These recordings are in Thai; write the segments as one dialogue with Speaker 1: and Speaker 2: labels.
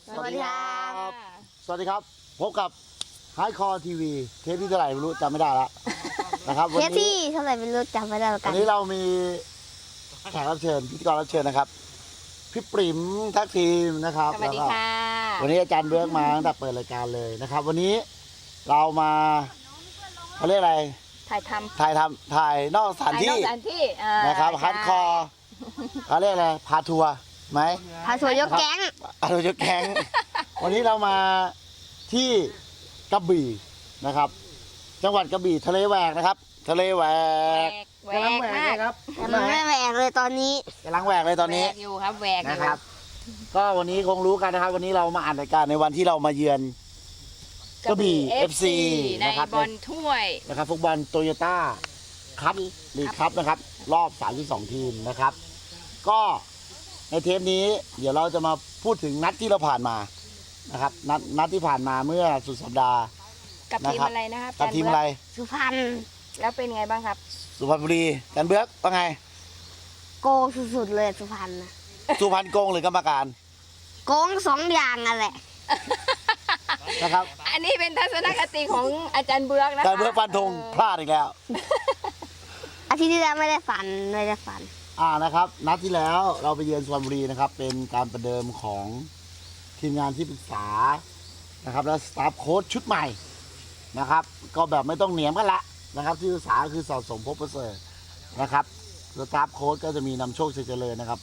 Speaker 1: สวัสดีครับ
Speaker 2: สวัสดีครับพบกับไฮคอร์ทีวีเทปที่เท่าไหร่ไม่รู้จำไม่ได้ละนะครับ
Speaker 1: เทปที่เท่าไหร่ไม่รู้จำไม่ได้เหมือนกั
Speaker 2: วัน นนี้เรามีแขกรับเชิญพิธีกรรับเชิญนะครับพี่ปริมทักทีมนะครับ
Speaker 3: สวัสดีค่ะ
Speaker 2: วันนี้อาจารย์เบิร์กมาตั้งแต่เปิดรายการเลยนะครับ วันนี้เรามาเขาเรียกอะไร
Speaker 3: ถ่ายท
Speaker 2: ถ่ายนอกส
Speaker 3: ำ
Speaker 2: ถานที่
Speaker 3: สถานที่
Speaker 2: นะครับ
Speaker 3: ใช่
Speaker 2: ฮาร์ดคอร์เขาเรียกอะไรพาทัวร์ไหม
Speaker 1: พาทัวร์ยกแก๊ง
Speaker 2: เราจะแข่ง วันนี้เรามาที่กระบี่นะครับ จังหวัดกระบี่ทะเลแหวกนะครับ ทะเลแหวก
Speaker 3: แหวกมาก
Speaker 2: ครับ
Speaker 1: แต่มันไม่แหวกเลยตอนนี้
Speaker 2: กำลังแหวกเลยตอนนี้
Speaker 3: แหวกอยู่ครับแหวกอยู่
Speaker 2: นะครับ ก็วันนี้คงรู้กันนะครับ วันนี้เรามาอ่านรายการในวันที่เรามาเยือนกระบี่ FC
Speaker 3: ใน
Speaker 2: นะครับ
Speaker 3: บอลถ้วย
Speaker 2: นะครับฟุตบอลโตโยต้าครับลีกครับนะครับ รอบ 32 ทีมนะครับ ก็ในเทปนี้เดี๋ยวเราจะมาพูดถึงนัดที่เราผ่านมานะครับ นัดที่ผ่านมาเมื่อสุดสัปดาห์
Speaker 3: กับทีม
Speaker 2: นะครับ
Speaker 3: อะไรนะครับ
Speaker 2: กับทีมอะไร
Speaker 1: สุพรรณ
Speaker 3: แล้วเป็นไงบ้างครับ
Speaker 2: สุพรรณบุรีกันเบือกว่าไง
Speaker 1: โกงสุดๆเลยสุพรรณนะ
Speaker 2: สุพรรณโกงหรือกรรมการ
Speaker 1: โกงสองอย่างนั่นแหละ
Speaker 2: นะครับ
Speaker 3: อันนี้เป็นทัศนคติของอาจารย์เบือกนะคะ
Speaker 2: การเบือกฟันธงพลาดอีกแล้ว
Speaker 1: อาทิตย์ที่แล้วไม่ได้ฝัน
Speaker 2: นะครับ นัดที่แล้วเราไปเยือนสุพรรณบุรีนะครับ เป็นการประเดิมของทีมงานที่ปรึกษานะครับ และสตาฟโค้ชชุดใหม่นะครับ ก็แบบไม่ต้องเหนียมกันละนะครับ ที่ปรึกษาคือสะสมภพประเสริฐนะครับสตาฟโค้ชก็จะมีนำโชคชัยเจริญนะครับ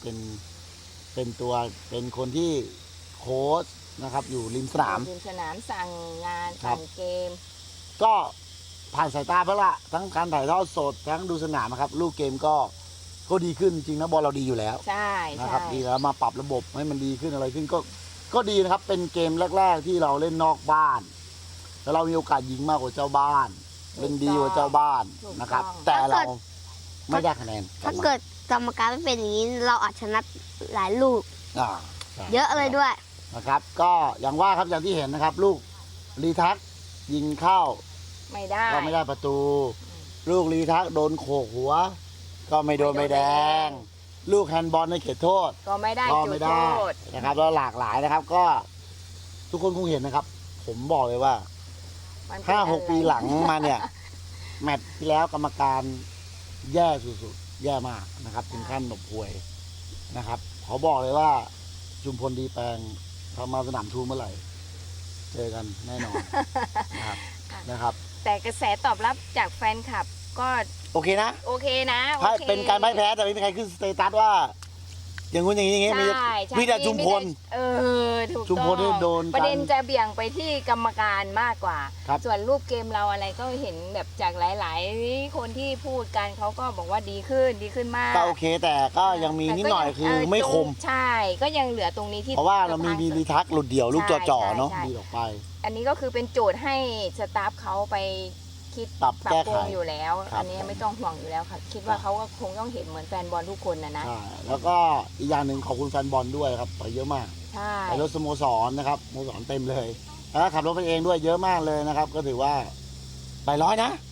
Speaker 2: เป็นคนที่โค้ชนะครับ อยู่ริมสนาม
Speaker 3: ทีมสนามสั่งงาน
Speaker 2: ครับ
Speaker 3: สั่งเกม
Speaker 2: ก็ผ่านสายตาไปละทั้งการถ่ายทอดสดทั้งดูสนามนะครับลูกเกมก็ดีขึ้นจริงนะบอลเราดีอยู่แล้ว
Speaker 3: ใช่
Speaker 2: นะ
Speaker 3: ใช่
Speaker 2: ครับดีแล้วมาปรับระบบให้มันดีขึ้นอะไรขึ้นก็ดีนะครับ เป็นเกมแรก ๆ ที่เราเล่นนอกบ้าน แล้วเรามีโอกาสยิงมากกว่าเจ้าบ้านเล่นดีกว่าเจ้าบ้านนะครับ แต่เราไม่ได้คะแนน
Speaker 1: ถ้าเกิดกรรมการไม่เป็นอย่างนี้เราอาจชนะหลายลูก
Speaker 2: อ่าใช่
Speaker 1: เยอะเลยด้วย
Speaker 2: นะครับ ก็อย่างว่าครับอย่างที่เห็นนะครับ ลูกรีทักยิงเข้า
Speaker 3: ไม่ได้
Speaker 2: ก็ไม่ได้ประตู ลูกรีทักโดนโขกหัว ก็ไม่โดนใบแดง ลูกแฮนด์บอลในเขตโทษ
Speaker 3: ก็ไม่ได้
Speaker 2: ก็
Speaker 3: จุ
Speaker 2: ไม่
Speaker 3: ด
Speaker 2: ได้
Speaker 3: โทษ
Speaker 2: นะครับแล้วหลากหลายนะครับ ก็ทุกคนคงเห็นนะครับ ผมบอกเลยว่า
Speaker 3: มันเป็นอะไร
Speaker 2: 5-6 ปีหลังมาเนี่ย แมตช์ที่แล้วกรรมการแย่สุดๆแย่มากนะครับ ถึงขั้นแบบป่วยนะครับขอบอกเลยว่าชุมพลดีแปลงทำมาสนามทูเมื่อไหร่ เจอกันแน่นอนนะครับ
Speaker 3: แต่กระแสตอบรับจากแฟนคลับก็
Speaker 2: โอเคนะ
Speaker 3: โอเคนะโอ
Speaker 2: ถ้า
Speaker 3: เค
Speaker 2: เป็นการพ่ายแพ้แต่ไม่มีใครขึ้นสเตตัสว่า อย่างงู้นอย่างนี้อย่างงี้มี
Speaker 3: ใช่ใช่
Speaker 2: มีแต่ชุมพล
Speaker 3: เออถูก
Speaker 2: ชุมพลนี่
Speaker 3: ต้อง
Speaker 2: โดน
Speaker 3: ประเด็นจะเบี่ยงไปที่กรรมการมากกว่า
Speaker 2: ครับ
Speaker 3: ส่วนรูปเกมเราอะไรก็เห็นแบบจากหลาย ๆ คนที่พูดกันเขาก็บอกว่าดีขึ้นมาก
Speaker 2: ก็โอเคแต่ก็ยังมีนิดหน่อยคือไม่คม
Speaker 3: ใช่ก็ยังเหลือตรงนี้ที่
Speaker 2: เพราะว่าเรามีรีทักหลุดเดี่ยวลูกจ่อๆเนาะ
Speaker 3: ใช่
Speaker 2: ดีออกไป
Speaker 3: อันนี้ก็คือเป็นโจทย์ให้สตาฟเขาไปคิด
Speaker 2: ปรับแก้
Speaker 3: ปรุ
Speaker 2: ไข
Speaker 3: งอยู่แล้ว
Speaker 2: ครับ
Speaker 3: อันนี้ไม่ต้องห่วงอยู่แล้วค่ะคิดว่าเขาก็คงต้องเห็นเหมือนแฟนบอลทุกคนนะ
Speaker 2: ใช่แล้วก็อีกอย่างหนึ่งขอบคุณแฟนบอลด้วยครับไปเยอะมาก
Speaker 3: ใช่
Speaker 2: ไปรถสโมสรนะครับสโมสรเต็มเลยแล้วก็ขับรถไปเองด้วยเยอะมากเลยนะครับ ก็ถือว่าไป100 นะ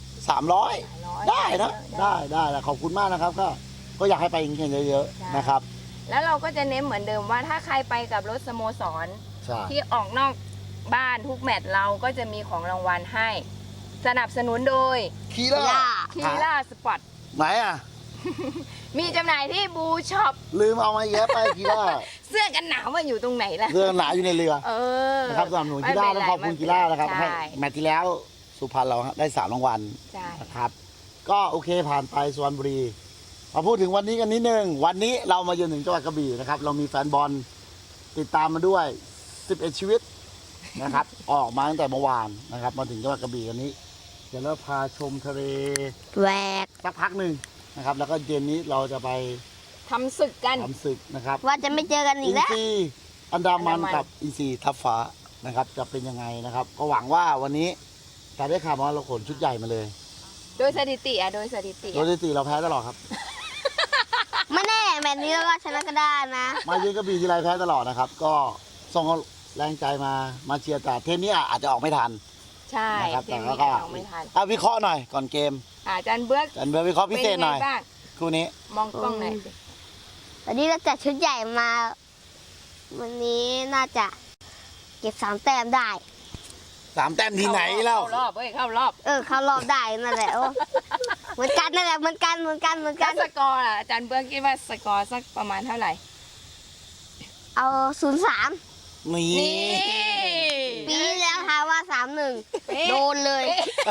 Speaker 2: 300 ได้นะได้แล้วขอบคุณมากนะครับ ก็อยากให้ไปอีกเยอะๆนะครับ
Speaker 3: แล้วเราก็จะเน้นเหมือนเดิมว่าถ้าใครไปกับรถสโมสร
Speaker 2: ใช่
Speaker 3: ที่ออกนอกบ้านทุกแมตช์เราก็จะมีของรางวัลให้ สนับสนุนโดย
Speaker 2: คีล่า
Speaker 3: คีล่าสปอร์ต
Speaker 2: ไหนอ่ะ
Speaker 3: มีจำหน่ายที่บูช็อป
Speaker 2: ลืมเอามาแยะไปคีล่า
Speaker 3: เสื้อกันหนาวมันอยู่ตรงไหนล่ะ
Speaker 2: เรื่องหนาอยู่ในเรือ
Speaker 3: เออ
Speaker 2: นะครับสำหรับหนูกีฬาต้องขอบคุณกีฬานะครับให้
Speaker 3: ใช่
Speaker 2: แมตช์ที่แล้วสุพรรณเราได้3 รางวัล
Speaker 3: ใช่
Speaker 2: นะครับ ก็โอเคผ่านไปสุพรรณบุรีมาพูดถึงวันนี้กันนิดนึงวันนี้เรามาเยือนถึงจังหวัดกระบี่นะครับ เรามีแฟนบอลติดตามมาด้วย 11 ชีวิตนะครับ ออกมาตั้งแต่เมื่อวานนะครับ มาถึงจังหวัดกระบี่วันนี้ เดี๋ยวเราพาชมทะเล
Speaker 1: แหวก
Speaker 2: สักพักหนึ่งนะครับ แล้วก็เย็นนี้เราจะไป
Speaker 3: ทำศึกกัน
Speaker 2: ทำศึกนะครับ
Speaker 1: ว่าจะไม่เจอกันอี
Speaker 2: อิ
Speaker 1: ก
Speaker 2: น
Speaker 1: แล้ว
Speaker 2: ซีอันดามัน
Speaker 3: อันดามัน
Speaker 2: กับอินซีทับฟ้านะครับ จะเป็นยังไงนะครับ ก็หวังว่าวันนี้แต่ได้ข่าวว่าเราขนชุดใหญ่มาเลย
Speaker 3: โดยสถิติโดยสถิติ
Speaker 2: โดยสถิติเราแพ้ตลอดครับ
Speaker 1: ไม่แน่แบบนี้เราก็ชนะก็ได้นะ
Speaker 2: มาเยือนกระบี่ทีไรแพ้ตลอดนะครับ ก็ส่งแรงใจมาเชียร์แต่เทปนี้อาจจะออกไม่ทัน
Speaker 3: ใช่
Speaker 2: นะครับ
Speaker 3: เก
Speaker 2: แต่
Speaker 3: ม
Speaker 2: ก็
Speaker 3: นี้เอาไม่ทัน
Speaker 2: เอาวิเคราะห์หน่อยก่อนเกม
Speaker 3: อาจารย์เบือก
Speaker 2: กันเบอร์วิเคราะห์พิเศษหน่อย
Speaker 3: ป็ไงบ้าง
Speaker 2: คู่นี้
Speaker 3: มองกล้องหน่อยสิ
Speaker 1: วันนี้เราจัดชุดใหญ่มา วันนี้น่าจะเก็บ3 แต้มได้
Speaker 2: 3 แต้มที่ไหนเล่า
Speaker 3: เข้ารอบเว้ยเข้ารอบ
Speaker 1: เข้ารอบได้นั่นแหละโอ้เหมือนกันนั่นแหละเหมือนกัน
Speaker 3: แล้วสกอร์ล่ะอาจารย์เบื้องคิดว่าสกอร์สักประมาณเท่าไหร่
Speaker 1: เอา 0-3
Speaker 2: นี่
Speaker 3: นี่
Speaker 1: ปีที่แล้วทายว่า 3-1 โดนเลย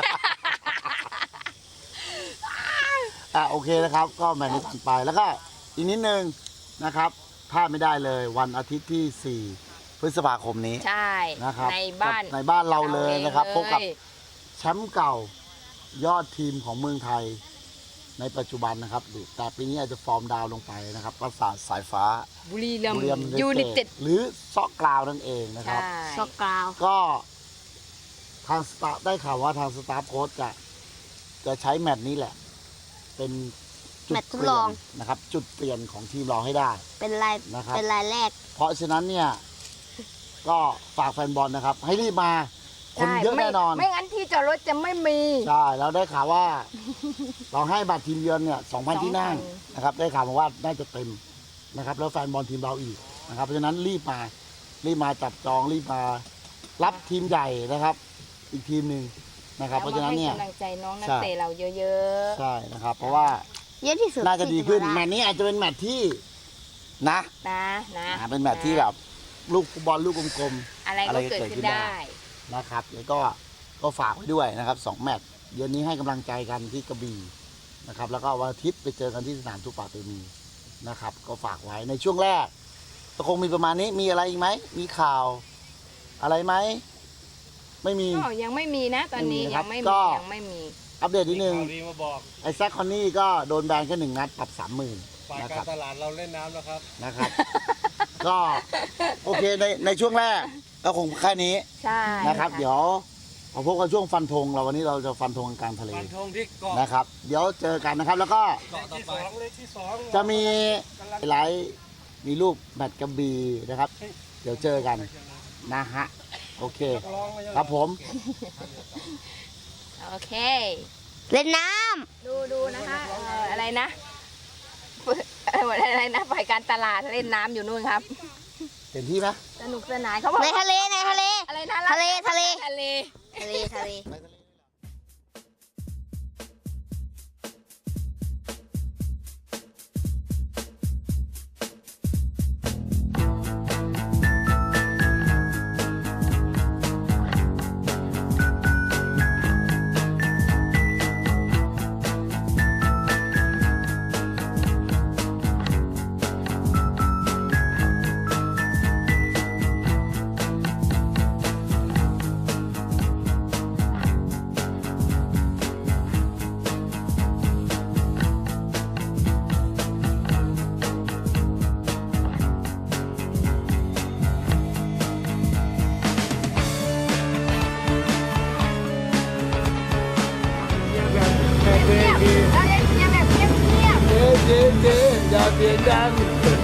Speaker 2: โอเคนะครับ ก็แมตช์นี้ผ่านไปแล้วก็อีกนิดนึงนะครับพลาดไม่ได้เลยวันอาทิตย์ที่ 4 พฤษภาคมนี้
Speaker 3: ใช่
Speaker 2: นะครับ
Speaker 3: ในบ้าน
Speaker 2: ในบ้านเราเลยนะครับพบกับ
Speaker 3: เลย
Speaker 2: แชมป์เก่ายอดทีมของเมืองไทยในปัจจุบันนะครับแต่ปีนี้อาจจะฟอร์มดาวน์ลงไปนะครับปราสาทสายฟ้า
Speaker 3: บุรีรัม
Speaker 2: บุรีรัม
Speaker 3: ย์
Speaker 2: ย์
Speaker 3: ยูไนเต็ด
Speaker 2: หรือซอกกราวนั่นเองนะครับ
Speaker 3: ใช่
Speaker 1: ช็อกกราว
Speaker 2: ก็ทางสตาฟได้ข่าวว่าทางสตาฟโค้ชจะใช้แมตช์นี้แหละ เป็นจุด
Speaker 1: แมตช์ท
Speaker 2: เป
Speaker 1: ด
Speaker 2: ลี่
Speaker 1: ล
Speaker 2: ย
Speaker 1: อง
Speaker 2: นนะครับ จุดเปลี่ยนของทีมเราให้ได้
Speaker 1: เป็นราย
Speaker 2: นะครับ
Speaker 1: เป็นรายแรก
Speaker 2: เพราะฉะนั้นเนี่ย ก็ฝากแฟนบอลนะครับ ให้รีบมาคนเยอะ
Speaker 3: ใช่
Speaker 2: แน่นอน
Speaker 3: ไม่งั้นที่จอดรถจะไม่มี
Speaker 2: ใช่แล้วได้ข่าวว่า เราให้บัตรทีมเยือนเนี่ย 2,000 ที่นั่ง
Speaker 3: 2,000
Speaker 2: นะครับ ได้ข่าวมาว่าน่าจะเต็มนะครับ แล้วแฟนบอลทีมเราอีกนะครับ เพราะฉะนั้นรีบมาจับจองรีบมารับทีมใหญ่นะครับ อีกทีมหนึ่งนะครับ เพราะฉะนั้นเนี่ย
Speaker 3: ให้กำลังใจน้องนัก
Speaker 2: ใช่
Speaker 3: เตะเราเยอะ
Speaker 2: ใช่นะครับ เพราะว่า
Speaker 1: เยอะที่สุด
Speaker 2: น่าจะดีขึ้น
Speaker 1: ที่
Speaker 2: แม
Speaker 1: มา
Speaker 2: ตช์นี้อาจจะเป็นแมตช์ที่นะ
Speaker 3: ๆนะ
Speaker 2: เป็นแมตช์ที่แบบลูกฟุตบอลลูกกลม
Speaker 3: อะไรก็เกิดขึ้นได้
Speaker 2: ๆนะครับแล้วก็ฝากไว้ด้วยนะครับ2 แมตช์เดือนนี้ให้กำลังใจกันที่กระบี่นะครับ แล้วก็วันอาทิตย์ไปเจอกันที่สนามทุกป่าเตมีนะครับ ก็ฝากไว้ในช่วงแรกก็คงมีประมาณนี้มีอะไรอีกไหมมีข่าวอะไรไหมไม่มี
Speaker 3: ก็ยังไม่มีนะตอนนี้
Speaker 2: ไม่มีนะครับ
Speaker 3: ยังไม่
Speaker 2: ก็
Speaker 3: มียังไม่มี
Speaker 2: อัปเดตนิดนึง
Speaker 4: ข่าวดีมาบอก
Speaker 2: ไอ้แซคคอนนี่ก็โดนแบนแค่1 นัดปรับ 30,000
Speaker 4: ฝ่าย
Speaker 2: นะคั
Speaker 4: การร
Speaker 2: บ
Speaker 4: ตลาดเราเล่นน้ำแล้วครับ
Speaker 2: นะครับ ก็โอเคในช่วงแรกก็คงแค่นี้
Speaker 3: ใช่
Speaker 2: นะครับ เดี๋ยวมาพบกันช่วงฟันธงเราวันนี้เราจะฟันธงกลางทะเล
Speaker 4: ฟันธงที่เกาะ
Speaker 2: นะครับ เดี๋ยวเจอกันนะครับ แล้วก็
Speaker 4: เกาะที่สองเลขที่สอง
Speaker 2: จะมีไลฟ์มีรูปแมตช์กระบี่นะครับ เดี๋ยวเจอกันนะฮะโอเค ครับผม
Speaker 3: โอเค
Speaker 1: เล่นน้
Speaker 3: ดูนะคะอะไรนะอะไรนะฝ่ายการตลาดเล่นน้ำอยู่นู่นครับ
Speaker 2: เห็นที่ไหม
Speaker 3: สนุกสนานเขาบอก
Speaker 1: ำในทะเล
Speaker 3: อะไรนะ
Speaker 1: ทะเล
Speaker 3: ทะเล
Speaker 1: ทะเล
Speaker 2: อย่าเสียงดัง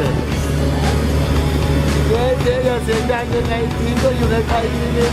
Speaker 2: เจ๊อย่าเสียงดังยังไงทีมก็อยู่ในไทยนี่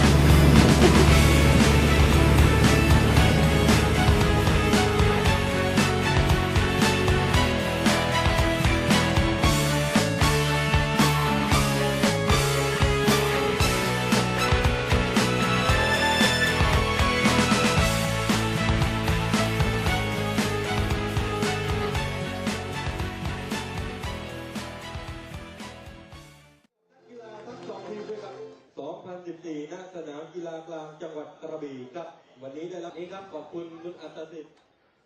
Speaker 5: กีฬาทั้งสองทีมด้วยกัน2014 ณ สนามกีฬากลางจังหวัดกระบี่ครับ วันนี้ได้รับนี้ครับ ขอบคุณคุณอัตสิทธิ์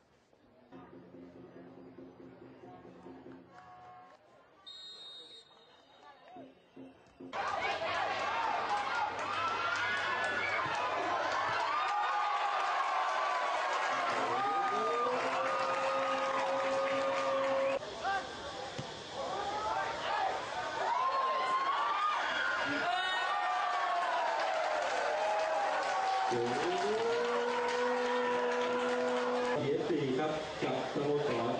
Speaker 5: เหรียญ4ครับกับสโมสร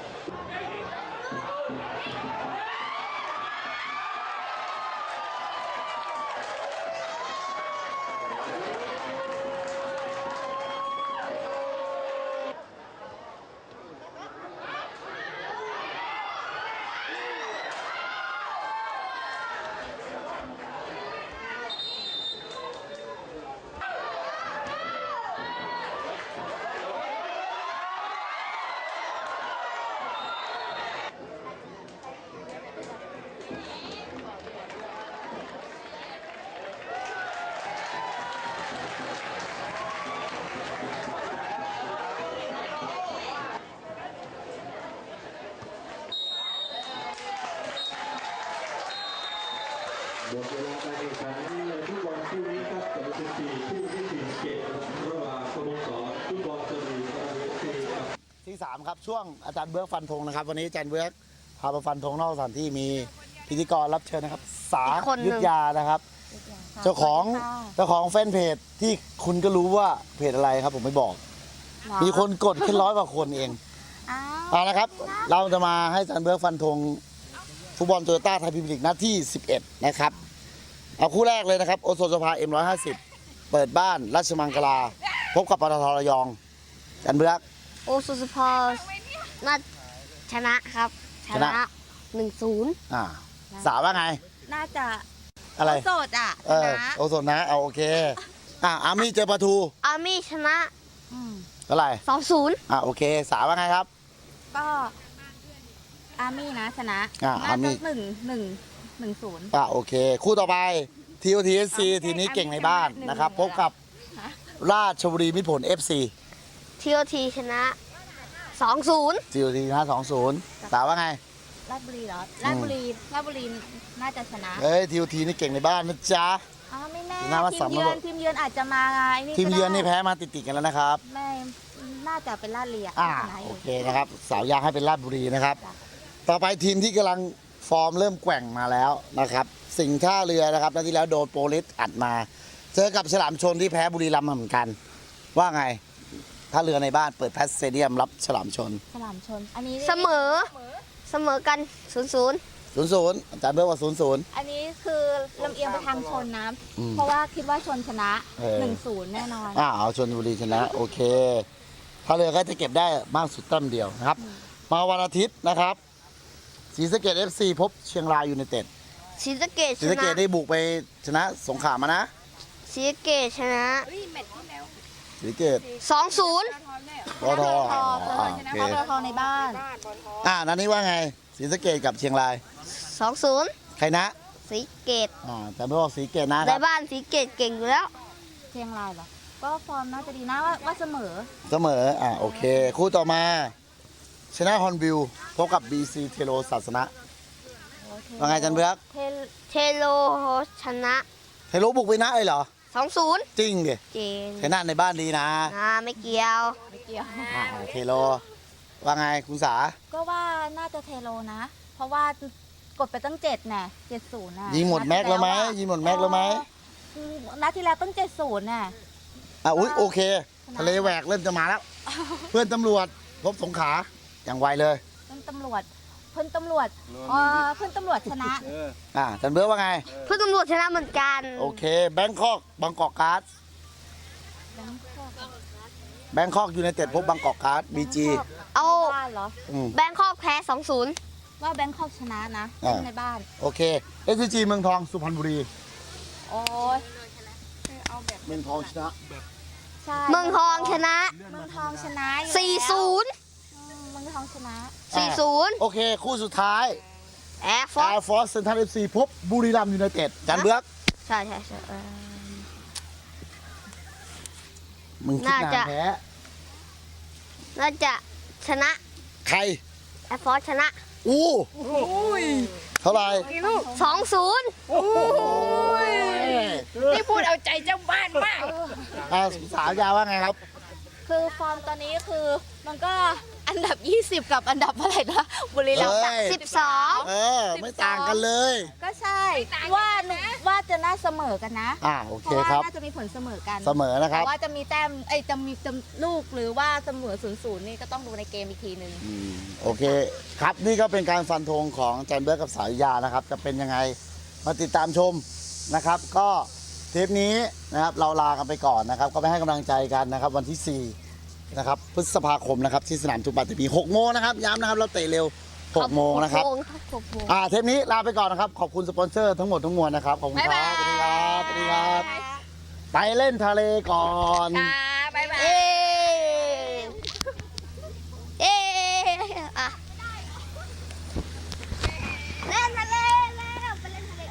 Speaker 2: 3ครับช่วงอาจารย์เบิร์กฟันธงนะครับวันนี้อาจารย์เบิร์กพาไปฟันธงนอกสถานที่มีพิธีกรรับเชิญนะครับสา
Speaker 1: อีกคนหนึ่ง
Speaker 2: ยุทธยานะครับเจ้าของแฟนเพจที่คุณก็รู้ว่าเพจอะไรครับผมไม่บอก มีคนกดแค่100 กว่าคนเองเอาละครับเราจะมาให้อาจารย์เบิร์กฟันธงฟุตบอลโตโยต้าไทยพรีเมียร์ลีกนัดที่11นะครับเอาคู่แรกเลยนะครับโอโซนสภา M150 เปิดบ้านราชมังคลาพบกับปตทระยองอาจารย์เบิร์ก
Speaker 1: โอซูสปอร์ตน่าชนะครับ ชนะ 1-0
Speaker 2: สาวว่าไง
Speaker 6: น่าจะ
Speaker 2: อะไร
Speaker 6: โสดอ่ะ
Speaker 2: เออ
Speaker 6: นะ
Speaker 2: โอโซนนะเอาโอเคอาร์มี่เจอปะทู
Speaker 1: อาร์มี่ชนะ
Speaker 2: เท่าไหร่
Speaker 1: 2-0
Speaker 2: โอเคสาวว่าไงครับ
Speaker 6: ก็อาร์มี่นะชนะ
Speaker 2: อาร์มี่
Speaker 6: น่าจะ1-0
Speaker 2: โอเค คู่ต่อไป TOTSC ทีมนี้เก่งในบ้านนะครับพบกับราชบุรีมิตรผล FC
Speaker 1: TOT ชนะ 2-0
Speaker 2: TOT ชนะ 2-0 สาวว่าไง
Speaker 6: ราชบุรีเหรอราชบุรีน่าจะชนะ
Speaker 2: เอ้ย TOT นี่เก่งในบ้านนะจ๊ะ
Speaker 6: ไม่แน่
Speaker 2: น่าว่า
Speaker 6: ที
Speaker 2: สาม
Speaker 6: มเยื
Speaker 2: ระ
Speaker 6: อ
Speaker 2: บบ
Speaker 6: นทีมเยือนอาจจะมาไง
Speaker 2: ทีมเยือนนี่แพ้มาติดๆกันแล้วนะครับ
Speaker 6: ไม่น่าจะเป็นราชบุรีชนะอ
Speaker 2: โอยู่ เคนะครับ สาวยาให้เป็นราชบุรีนะครับ ต่อไปทีมที่กำลังฟอร์มเริ่มแกว่งมาแล้วนะครับ สิงห์ท่าเรือนะครับนัดที่แล้วโดนโปรลิสอัดมา เจอกับฉลามชนที่แพ้บุรีรัมย์มาเหมือนกัน ว่าไงท่าเรือในบ้านเปิดแพสสเตเดียมรับฉลามชน
Speaker 6: ฉลามชนอันนี้
Speaker 1: เสมอกัน 0-0
Speaker 2: 0-0อาจารย์เบิร์กว่า 0-0
Speaker 6: อันนี้คือลำเอียงไปทางชนนะ
Speaker 2: อืม
Speaker 6: เพราะว่าคิดว่าชนชนะ
Speaker 2: 1-0
Speaker 6: แน่นอน
Speaker 2: เอาชนบุรีชนะโอเคท่าเรือก็จะเก็บได้มากสุดแต้มเดียวนะครับ มาวันอาทิตย์นะครับศรีสะเกษ FC พบเชียงรายยูไนเต็ด
Speaker 1: ศรีสะเกษ
Speaker 2: ศรี
Speaker 1: ช
Speaker 2: สะเก
Speaker 1: นะ
Speaker 2: ษได้บุกไปชนะสงขลามานะ
Speaker 1: ศรีสะเกษชนะ
Speaker 2: ศรีสะเกษ
Speaker 1: 2-0
Speaker 2: ปตทโอเค
Speaker 6: ปตทในบ้าน
Speaker 2: นัดนี้ว่าไงศรีสะเกษกับเชียงราย
Speaker 1: 2-0
Speaker 2: ใครนะ
Speaker 1: ศรีสะเกษ
Speaker 2: แต่ไม่บอกศรีสะเกษนะค
Speaker 1: ใน
Speaker 2: รับ
Speaker 1: บ้านศรีสะเกษเก่งอยู่แล้ว
Speaker 6: เชียงรายเหรอ ก็ฟอร์มน่าจะดีนะว่าเสมอ
Speaker 2: เสมอโอเค คู่ต่อมาชนะฮอนบิลพบกับ BC เทโลศาสนะว่าไงจันเบือก
Speaker 1: เทโลชนะ
Speaker 2: เทโลบุกไปนะเลยเหรอ
Speaker 1: 2-0
Speaker 2: จริงดิ
Speaker 1: เจน
Speaker 2: ชนะในบ้านดีนะ
Speaker 1: ไม่เกี่ยว
Speaker 6: ไม่เกี่ยว
Speaker 2: เทโลว่าไงคุณสา
Speaker 6: ก็ว่าน่าจะเทโลนะ เพราะว่ากดไปตั้ง7น่ะ70น่ะ
Speaker 2: ยิงหมดแม็กแล้วไหมยิงหมดแม็กแล้วไหม
Speaker 6: นัดที่แล้วต้อง70น่ะ
Speaker 2: อุ๊ยโอเค ทะเลแหวกเริ่มจะมาแล้ว เพื่อนตำรวจพบสงขลาอย่างไวเลย
Speaker 6: เพื่อนตำรวจเพื่อนตำรวจชนะ
Speaker 2: จันเบิร์กว่าไง
Speaker 1: เพื่อนตำรวจชนะเหมือนกัน
Speaker 2: โอเคแบงคอกบางกอกการ์ดแบงคอกยูไนเต็ดพบบางกอกการ์ดบีจี
Speaker 1: เอา
Speaker 6: ในบ้านเหรอ
Speaker 1: แบงคอกแพ้ 2-0
Speaker 6: ว่าแบงคอกชนะนะเล่นในบ้าน
Speaker 2: โอเคเอสจีเมืองทองสุพรรณบุรี
Speaker 6: โอ้ย
Speaker 2: เมืองทองชนะ
Speaker 6: ใช่
Speaker 1: เมืองทองชนะ
Speaker 6: เมืองทองชนะอยู่
Speaker 1: 4-0
Speaker 6: เมืองทองชนะ
Speaker 1: 4-0
Speaker 2: โอเค คู่สุดท้าย
Speaker 1: แอร์ฟ
Speaker 2: แอ
Speaker 1: อร์
Speaker 2: ร์ฟอร์สเซนทรัลเอฟซีพบบุรีรัมย์ยูไนเต็ดจันเบิร์ก
Speaker 1: ใช่
Speaker 2: มึงคิดนานแพ้
Speaker 1: น่าจะชนะ
Speaker 2: ใคร
Speaker 1: แอร์ฟอร์ชนะ
Speaker 2: เท่าไหร่
Speaker 1: 2-0
Speaker 3: นี่พูดเอาใจเจ้าบ้านมาก
Speaker 2: สาวยาว่าไงครับ
Speaker 6: คือฟอร์มตอนนี้คือมันก็อันดับ 20 กับอันดับเท่าไหร่นะบุรีรัมย์
Speaker 2: เอ้ย
Speaker 1: 12
Speaker 2: ไม่ต่างกันเลย
Speaker 6: ก็ใช่ว่าจะน่าเสมอกันนะ
Speaker 2: โอ
Speaker 6: เพ
Speaker 2: เค
Speaker 6: ราะว่า
Speaker 2: ครับ
Speaker 6: น่าจะมีผลเสมอกัน
Speaker 2: เสมอนะครับ
Speaker 6: แต่ว่าจะมีแต้มจะมีลูกหรือว่าเสมอ0-0นี่ก็ต้องดูในเกมอีกทีหนึ่ง
Speaker 2: โอเคครับนี่ก็เป็นการฟันธงของจันเบิร์กกับสาวยานะครับ จะเป็นยังไงมาติดตามชมนะครับ ก็เทปนี้นะครับเราลากันไปก่อนนะครับ ก็ไปให้กำลังใจกันนะครับ วันที่4นะครับพฤษภาคมนะครับที่สนามจุฬาตี6 โมงนะครับย้ำนะครับเราเตะเร็ว6 โมงนะครับ
Speaker 1: 6 โมง
Speaker 2: เทปนี้ลาไปก่อนนะครับขอบคุณสปอนเซอร์ทั้งหมดทั้งมวลนะครับขอบคุณครับสวัสดีครับสวัสดีครับไปเล่นทะเลก่อน
Speaker 3: บ๊ายบาย
Speaker 1: เอ๊ะเล่นทะเลแล้วไปเล่นทะเล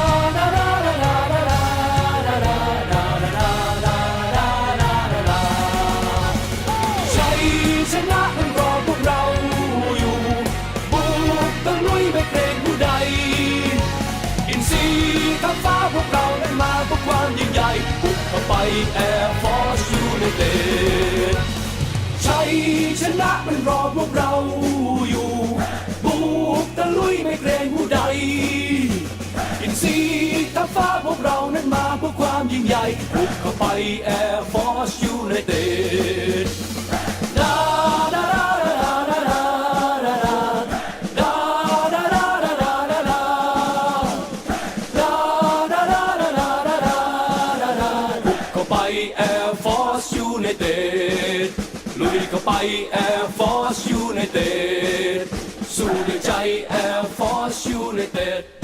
Speaker 7: ชัยชนะมันรอพวกเราอยู่บุกตะลุยไม่เกรงผู้ใดอินทรีย์ทัพฟ้าพวกเรานั้นมาเพื่อความยิ่งใหญ่บุกเข้าไป Air Force United ชัยชนะมันรอพวกเราอยู่บุกตะลุยไม่เกรงผู้ใดอินทรีย์ทัพฟ้าพวกเรานั้นมาเพื่อความยิ่งใหญ่บุกเข้าไป Air Force United Air Force United ลุยเข้าไป Air Force United สู้ด้วยใจ Air Force United